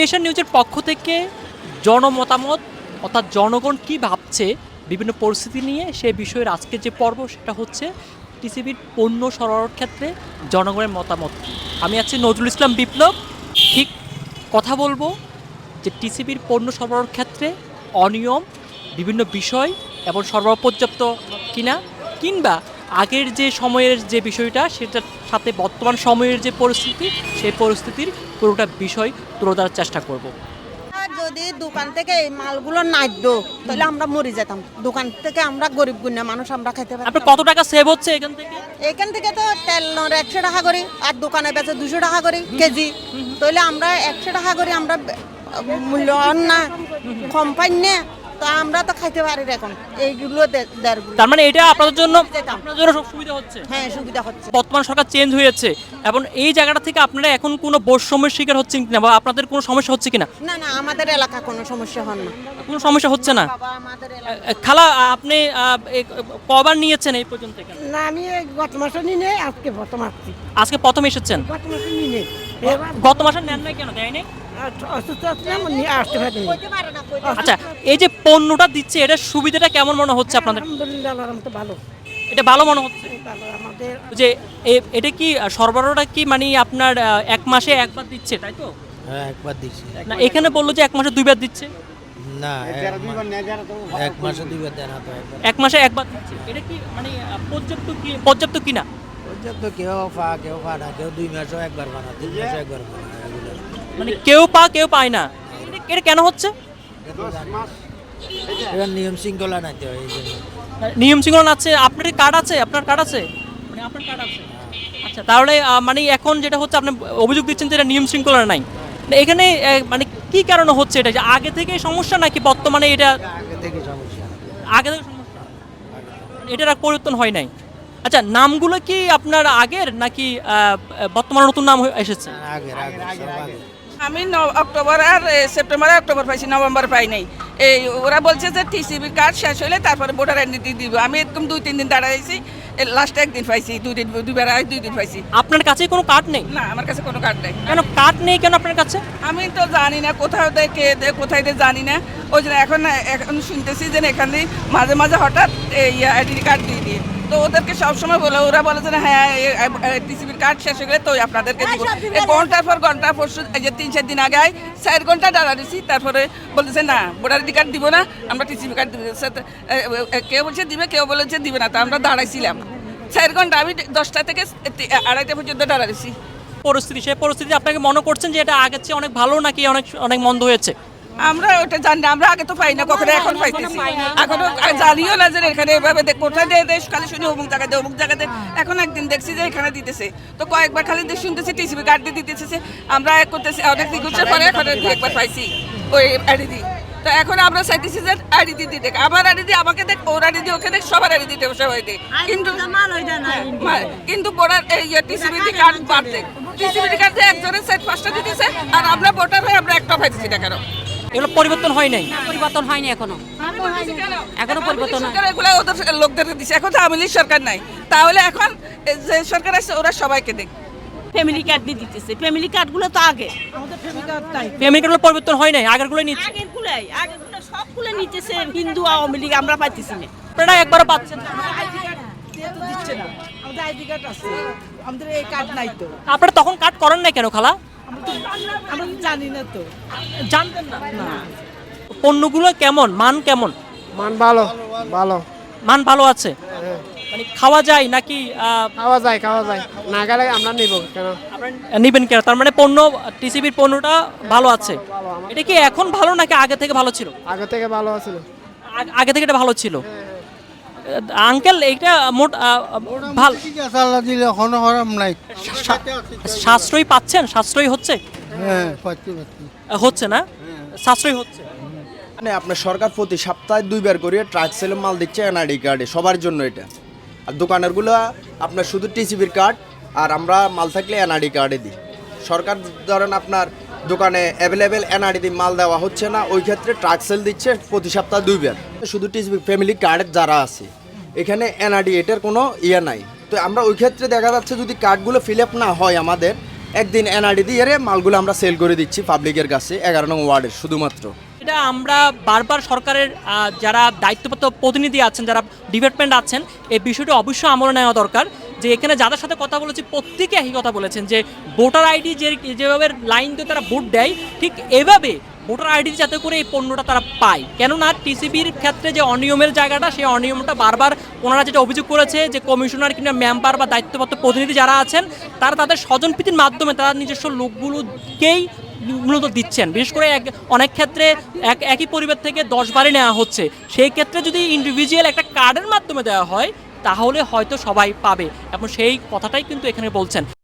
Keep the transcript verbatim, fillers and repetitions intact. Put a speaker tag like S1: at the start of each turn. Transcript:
S1: Nation নিউজের পক্ষ থেকে জনমতামত অর্থাৎ জনগণ কী ভাবছে বিভিন্ন পরিস্থিতি নিয়ে সে বিষয়ের আজকের যে পর্ব সেটা হচ্ছে টিসিবির পণ্য সরবরাহের ক্ষেত্রে জনগণের মতামত কী। আমি আছি নজরুল ইসলাম বিপ্লব। ঠিক কথা বলবো যে টিসিবির পণ্য সরবরাহের ক্ষেত্রে অনিয়ম বিভিন্ন বিষয় এবং সরবরাহ পর্যাপ্ত কিনা, কিংবা আগের যে সময়ের যে বিষয়টা সেটার সাথে বর্তমান সময়ের যে পরিস্থিতি সেই পরিস্থিতির পুরোটা বিষয় তুলে ধরার চেষ্টা করব।
S2: যদি দোকান থেকে এই মালগুলো না দিত তাহলে আমরা মরে যেতাম। দোকান থেকে আমরা গরিব গুণা মানুষ আমরা খাইতে পারি।
S1: আপনার কত টাকা সেভ হচ্ছে এখান থেকে?
S2: এখান থেকে তো তেল একশো টাকা করে, আর দোকানে বেচে দুশো টাকা করে কেজি। তাহলে আমরা একশো টাকা করে আমরা মূল্যায়ন না কম পাই না, তো আমরা তো খাইতে পারি এখন এইগুলো দেড়গুলো।
S1: তার মানে এটা আপনাদের জন্য আপনাদের জন্য সব সুবিধা হচ্ছে।
S2: হ্যাঁ, সুবিধা হচ্ছে।
S1: বর্তমান সরকার চেঞ্জ হয়েছে এবং এই জায়গাটা থেকে আপনারা এখন কোনো বৈষম্যের শিকার হচ্ছেন কিনা বা আপনাদের কোনো সমস্যা হচ্ছে কিনা?
S2: না না, আমাদের এলাকা কোনো সমস্যা হন না,
S1: কোনো সমস্যা হচ্ছে না।
S2: বাবা আমাদের এলাকা।
S1: আহ, খালা আপনি আহ, এ- কবার নিয়েছেন এই পর্যন্ত এখানে?
S3: না, আমি এই গত মাসে নিয়ে নেই, আজকে প্রথম আসছি।
S1: আজকে প্রথম এসেছেন?
S3: গত মাসে নিয়ে নেই, এবার
S1: গত মাসে নেন নাই কেন? দেয়নি?
S3: অসুস্থ আসলাম, নিয়ে আসতে পারিনি।
S2: কইতে পারে না, কইতে পারে না।
S1: আচ্ছা, এই যে পণ্যটা দিচ্ছে এটার সুবিধাটা কেমন মনে হচ্ছে আপনাদের?
S3: আলহামদুলিল্লাহ, আল্লাহর রহমতে ভালো
S1: এটা ভালো মনে হচ্ছে
S3: ভালো আমাদের।
S1: যে এ- এটা কি আহ, সরবরাহটা কি মানে আপনার আহ, এক মাসে একবার দিচ্ছে তাই তো?
S4: হ্যাঁ, একবার দিচ্ছি।
S1: না এখানে বললো যে এক মাসে দুইবার দিচ্ছে।
S4: না, এক মা- এক মাসে দুইবার দেন তো একবার।
S1: এক মাসে একবার দিচ্ছে, এটা কি মানে আহ, পর্যাপ্ত কি পর্যাপ্ত কিনা?
S4: পর্যাপ্ত কেউ পা কেউ পা না, কেউ দুই মাসও একবার বানা, তিন মাসও একবার বানা, এগুলো
S1: মানে কেউ পা কেউ পায় না। এটা- এটা কেন হচ্ছে?
S4: এবার নিয়ম শৃঙ্খলা নাইতে হয় এই জন্য।
S1: নিয়ম শৃঙ্খলা আছে। আপনার কার্ড আছে? আপনার কার্ড আছে? মানে আপনার কার্ড আছে। আচ্ছা, তাহলে আহ, মানে এখন যেটা হচ্ছে আপনি অভিযোগ দিচ্ছেন যে এটা নিয়ম শৃঙ্খলা নাই। মানে এখানে আহ, মানে কি কারণে হচ্ছে এটা? যে আগে থেকে সমস্যা নাকি বর্তমানে এটা
S4: আগে থেকে সমস্যা।
S1: আগে থেকে সমস্যা? এটার আর পরিবর্তন হয় নাই। আচ্ছা, নামগুলো কি আপনার আগের নাকি আহ, বর্তমানে নতুন নাম হয়ে- এসেছে?
S4: আগের আগে সব আগে।
S5: আমি ন- অক্টোবর আর এ, সেপ্টেম্বর আর অক্টোবর পাইছি, নভেম্বর পাই নাই। এই ওরা বলছে যে টিসিবি কার্ড শেষ হলে তারপরে ভোটার আইডেন্টি দিব। আমি এরকম দুই তিন দিন দাঁড়াইছি, লাস্টে একদিন পাইছি, দুই দিন দুইবার আই দুই দিন পাইছি।
S1: আপনার কাছে কোনো কার্ড নেই?
S5: না, আমার কাছে কোনো কার্ড নেই।
S1: কেন কার্ড নেই কেন আপনার কাছে?
S5: আমি তো জানি না কোথাও দেয় কে দেয় কোথায় দেয় জানি না। ওই জন্য এখন এখন শুনতেছি যে এখানে মাঝে মাঝে হঠাৎ এই আইডেন্টি কার্ড দিয়ে দিয়ে, তো ওদেরকে সবসময় বলে, ওরা বলে যে না, হ্যাঁ টিসিবির কার্ড শেষ হয়ে গেলে তো আপনাদেরকে দিব। এই ঘন্টার পর ঘন্টা পরশু এই যে তিন চার দিন আগে আয়, চার ঘন্টা দাঁড়া দিছি, তারপরে বলতেছে না ভোটার আইডি কার্ড দিব না, আমরা টিসিবি কার্ড দিব। কেউ বলছে দিবে, কেউ বলেছে দিবে না, তো আমরা দাঁড়াইছিলাম চার ঘন্টা। আমি দশটা থেকে আড়াইটা পর্যন্ত দাঁড়া দিছি।
S1: পরিস্থিতি সেই পরিস্থিতি আপনাকে মনে করছেন যে এটা আগের চেয়ে অনেক ভালো নাকি অনেক অনেক মন্দ হয়েছে?
S5: আমরা ওটা জানি না, আমরা আগে তো পাই না কখনো, এখন পাইতেছি। এখনো জানিও না যে এখানে এভাবে দে- কোথায় দেয় দেশ, খালি শুনি অমুক জায়গায় দেয় অমুক জায়গাতে। এখন একদিন দেখছি যে এখানে দিতেছে, তো কয়েকবার খালি দিয়ে শুনতেছি টিসিবি কার্ড দিয়ে দিতেছে। আমরা এক করতেছি অনেক রিকোয়েস্টের পরে এখন আর দুই একবার পাইছি ওই আইডি দি। তো এখন আমরা চাইতেছি যে আইডি দিয়ে দেখ, আমার আইডি দিয়ে আমাকে দেখ, ওর আইডি দিয়ে ওকে দেখ, সবার আইডি দিতে সবাই দেখ। কিন্তু মা- কিন্তু ভোটার এই টিসিবি কার্ড বাদ দেখ, টিসিবি কার্ড দিয়ে একজনের সাইড পাঁচটা দিতেছে, আর আমরা ভোটার হয়ে আমরা একটা পাইতেছি না কেন?
S1: এগুলো পরিবর্তন হয় নাই?
S6: পরিবর্তন হয়নি এখনো এখনো পরিবর্তন হয়।
S5: সরকার এগুলো ওদের লোকদেরকে দিচ্ছে। এখন তো আওয়ামী লীগ সরকার নাই, তাহলে এখন যে সরকার আছে ওরা সবাইকে দেখ।
S6: ফ্যামিলি কার্ড দিয়ে দিতেছে, ফ্যামিলি কার্ডগুলো তো আগে
S1: পেমেন্টগুলো পরিবর্তন হয় নাই, আগেরগুলো নিচ্ছে।
S6: আগের গুলাই আগের গুলো সবগুলো নিতেছে হিন্দু আওয়ামী লীগ, আমরা পাইতেছি না।
S1: আপনারা একবারও পাচ্ছেন না?
S3: দিচ্ছে না, আমাদের আইডি কার্ড আছে, আমাদের এই কার্ড নাই তো।
S1: আপনারা তখন কাট করেন না কেন খালা?
S3: আমরা তো আমরা তো জানি না তো।
S1: জানতেন না? পণ্যগুলো কেমন, মান কেমন?
S7: মান ভালো ভালো
S1: মান ভালো আছে? মানে খাওয়া যায় নাকি আহ,
S7: খাওয়া যায় খাওয়া যায় না গেলে আমরা নিব কেন?
S1: আপনারা নিবেন কেন? তার মানে পণ্য টিসিবির পণ্যটা ভালো আছে। এটা কি এখন ভালো নাকি আগে থেকে ভালো ছিল?
S7: আগে থেকে ভালো ছিল।
S1: আগ- আগে থেকে এটা ভালো ছিল। আঙ্কেল এইটা মোট আহ, ভালো
S8: ঠিক আছে, আল্লাহ দিলে কোনো হরাম নাই।
S1: সা- সাশ্রয়ী পাচ্ছেন? সাশ্রয়ী হচ্ছে?
S8: হ্যাঁ, পাচ্ছি পাচ্ছি।
S1: হচ্ছে না? সাশ্রয়ী হচ্ছে।
S9: মানে আপনার সরকার প্রতি সপ্তাহে দুইবার করে ট্রাক সেলে মাল দিচ্ছে এনআইডি কার্ডে সবার জন্য এটা। আর দোকানেরগুলো আপনার শুধু টিসিবির কার্ড, আর আমরা মাল থাকলে এনআইডি কার্ডে দিই। সরকার ধরেন আপনার দোকানে অ্যাভেলেবেল এনআইডি দিয়ে মাল দেওয়া হচ্ছে না, ওই ক্ষেত্রে ট্রাক সেল দিচ্ছে প্রতি সপ্তাহে দুইবার। শুধু টিসিবি ফ্যামিলি কার্ড যারা আছে এখানে এনআইডি এটার কোনো ইয়ে নাই। তো আমরা ওই ক্ষেত্রে দেখা যাচ্ছে যদি কার্ডগুলো ফিল আপ না হয় আমাদের, একদিন এনআরডি দিয়ে রে মালগুলো আমরা সেল করে দিচ্ছি পাবলিকের কাছে এগারো নং ওয়ার্ডের শুধুমাত্র।
S1: এটা আমরা বারবার সরকারের আহ, যারা দায়িত্বপ্রাপ্ত প্রতিনিধি আছেন, যারা ডিপার্টমেন্ট আছেন, এই বিষয়টি অবশ্যই আমলে নেওয়া দরকার। যে এখানে যাদের সাথে কথা বলেছি প্রত্যেকে একই কথা বলেছেন যে ভোটার আইডি যে যেভাবে লাইন দিয়ে তারা ভোট দেয়, ঠিক এভাবে ভোটার আইডি যাতে করে এই পণ্যটা তারা পায়। কেননা টিসিবির ক্ষেত্রে যে অনিয়মের জায়গাটা, সেই অনিয়মটা বারবার ওনারা যেটা অভিযোগ করেছে যে কমিশনার কিংবা মেম্বার বা দায়িত্বপ্রাপ্ত প্রতিনিধি যারা আছেন তারা তাদের স্বজনপ্রীতির মাধ্যমে তারা নিজস্ব লোকগুলোকেই মূলত দিচ্ছেন। বিশেষ করে এক অনেক ক্ষেত্রে এক একই পরিবার থেকে দশ বারই নেওয়া হচ্ছে। সেই ক্ষেত্রে যদি ইন্ডিভিজুয়াল একটা কার্ডের মাধ্যমে দেওয়া হয় তাহলে হয়তো সবাই পাবে, এবং সেই কথাটাই কিন্তু এখানে বলছেন।